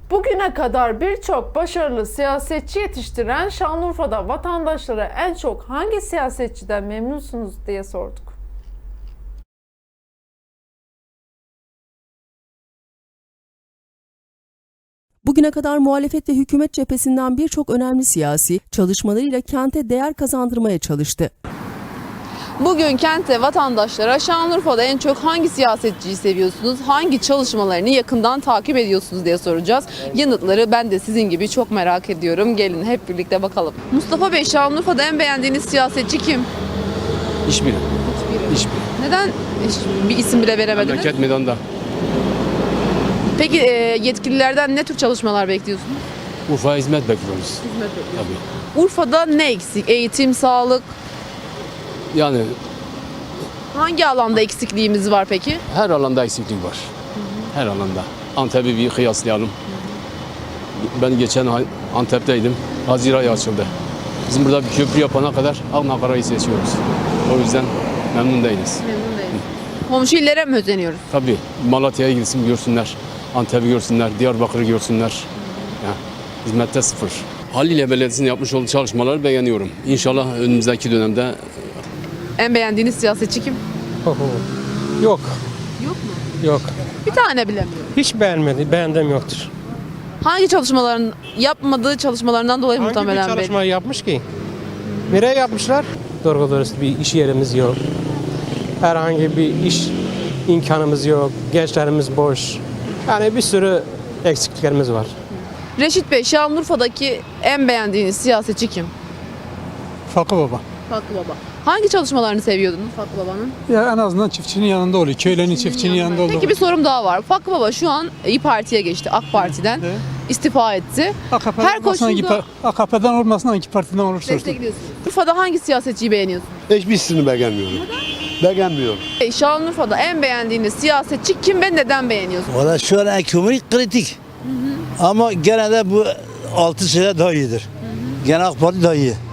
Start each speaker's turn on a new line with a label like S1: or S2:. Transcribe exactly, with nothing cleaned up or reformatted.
S1: Bugüne kadar birçok başarılı siyasetçi yetiştiren Şanlıurfa'da vatandaşlara en çok hangi siyasetçiden memnunsunuz diye sorduk.
S2: Bugüne kadar muhalefet ve hükümet cephesinden birçok önemli siyasi çalışmalarıyla kente değer kazandırmaya çalıştı.
S3: Bugün kentte vatandaşlara Şanlıurfa'da en çok hangi siyasetçiyi seviyorsunuz, hangi çalışmalarını yakından takip ediyorsunuz diye soracağız. Yanıtları ben de sizin gibi çok merak ediyorum. Gelin hep birlikte bakalım. Mustafa Bey, Şanlıurfa'da en beğendiğiniz siyasetçi kim?
S4: Hiçbiri.
S3: Hiçbiri.
S4: Hiçbiri.
S3: Neden hiç bir isim bile veremediniz?
S4: Memleket meydanda.
S3: Peki e, yetkililerden ne tür çalışmalar bekliyorsunuz?
S4: Urfa'ya hizmet bekliyoruz.
S3: Hizmet bekliyorsunuz.
S4: Tabii.
S3: Urfa'da ne eksik? Eğitim, sağlık,
S4: Yani
S3: hangi alanda eksikliğimiz var peki?
S4: her alanda eksiklik var. Her alanda. Antep'i bir kıyaslayalım. Ben geçen ay Antep'teydim. Haziran ayı açıldı. Bizim burada bir köprü yapana kadar Aknakara'yı seçiyoruz. O yüzden memnun değiliz.
S3: Memnun değilim. Komşu illere mi özeniyoruz?
S4: Tabii Malatya'ya gitsin görsünler. Antep'i görsünler. Diyarbakır'ı görsünler. Yani, hizmette sıfır. Halilye Belediyesi'nin yapmış olduğu çalışmaları beğeniyorum. İnşallah önümüzdeki dönemde
S3: En beğendiğiniz siyasetçi kim?
S5: Yok,
S3: Yok mu?
S5: yok.
S3: Bir tane bilemiyorum.
S5: Hiç beğenmedi, beğendim yoktur.
S3: Hangi çalışmaların yapmadığı çalışmalarından dolayı
S5: Hangi bir
S3: muhtemelen
S5: çalışma yapmış ki? Nereye yapmışlar? Doğru dürüst bir iş yerimiz yok. Herhangi bir iş imkanımız yok. Gençlerimiz boş. Yani bir sürü eksikliklerimiz var.
S3: Reşit Bey, Şanlıurfa'daki en beğendiğiniz siyasetçi kim?
S6: Fakı Baba.
S3: Fakı Baba. Hangi çalışmalarını seviyordunuz Fakı Baba'nın?
S6: Ya en azından çiftçinin yanında oluyor. Köylerin çiftçinin yanında oluyor.
S3: Peki bir sorum daha var. Fakı Baba şu an İYİ Parti'ye geçti. AK Parti'den
S6: Evet.
S3: istifa etti.
S6: A K P'den
S3: Her
S6: olmasın, hangi
S3: koşulda
S6: par- A K P'den olmasın hangi partiden olursa olsun.
S3: destekliyorsunuz. Urfa'da hangi siyasetçiyi beğeniyorsunuz?
S7: Hiçbirisini beğenmiyorum. Beğenmiyorum.
S3: Bey, Şanlıurfa'da en beğendiğiniz siyasetçi kim ve neden beğeniyorsunuz?
S8: Valla şu an ekonomi kritik. Ama gene de bu altı sene daha iyidir. Gene AK Parti daha iyi.